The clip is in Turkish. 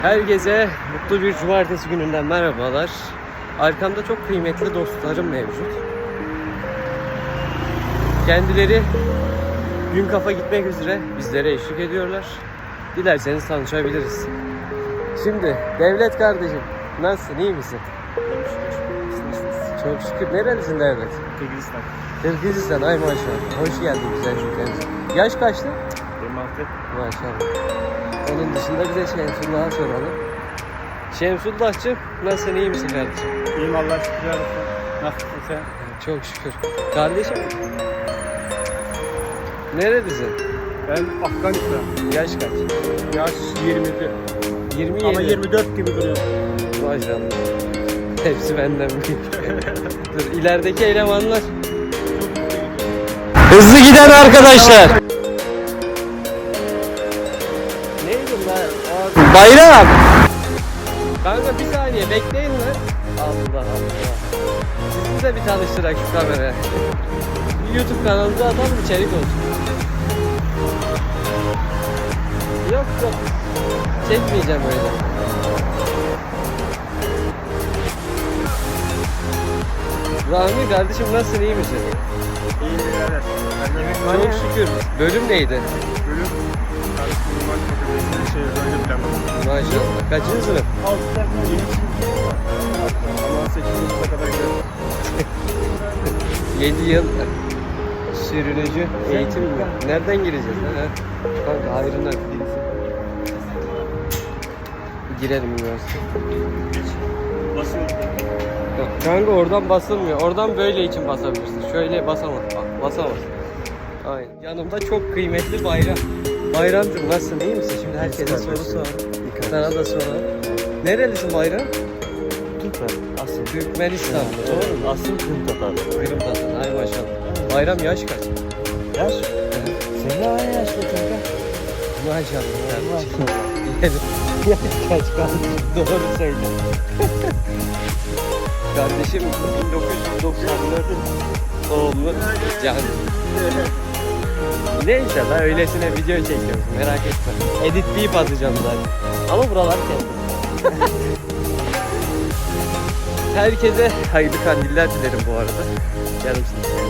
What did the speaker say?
Herkese mutlu bir cumartesi gününden merhabalar. Arkamda çok kıymetli dostlarım mevcut. Kendileri gün kafa gitmek üzere bizlere eşlik ediyorlar. Dilerseniz tanışabiliriz. Şimdi Devlet kardeşim, nasılsın, iyi misin? Çok şükür. Nerelisin Devlet? Kırgızistan. Kırgızistan, ay maşallah. Hoş geldin güzel ülkemize. Yaş kaçtı? 26. Maşallah. Onun dışında bize Şemsullah'a soralım. Şemsullah'cığım, nasılsın, iyi misin kardeşim? İyiyim Allah'a şükür olsun. Nasılsın sen? Çok şükür. Kardeşim, nerelisin? Ben Afganistan. Yaş kaç? Yaş 27. 27. Ama 24 gibi duruyor. Maşallah. Hepsi benden büyük. Dur, ilerideki elemanlar. Hızlı giden arkadaşlar. Neydi lan? Bayram. Kanka bir saniye bekleyin lan. Allah Allah. Sizi de bir tanıştırak şu kameraya. YouTube kanalımıza atalım, içerik olsun. Yok. Çekmeyeceğim öyle. Rahmi kardeşim, nasılsın, iyi misin? İyiyim birader. Ben yemek var Çok ya. şükür. Bölüm neydi? Bölüm. Karıştırma marketi. Böyle planladım. Maşallah. Kaçıncı sınıf? 6'da yeni ama 8. sınıfa kadar gidiyorum. 7 yıl sürünücü eğitim mi? Nereden gireceğiz lan? Ha? Kanka hayrından girelim üniversite. Basıyorum. Yok, kanka oradan basılmıyor. Oradan böyle için basabilirsin. Şöyle basamaz. Bak, basamaz. Aynen. Yanımda çok kıymetli Bayram. Bayramcığım, nasılsın, iyi misin? Şimdi herkese soru sor. Sana da soralım. Nerelisin Bayram? Türkmen. Asıl. Türkmenistan. Doğru mu? Asıl Kırım Tatar. Kırım Tatar. Ay maşallah. Bayram yaş kaç? Yaş? Senin aynı yaşta kanka. Maşallah. Maşallah. Yaş kaç kardeşim? Doğru söyle. Kardeşim 1994 doğumlu Can. Neyse ben öylesine video çekiyorum, merak etme. Editleyip atacağım zaten. Ama buralar kendi. Herkese hayırlı kandiller dilerim bu arada. Yarım sınıf.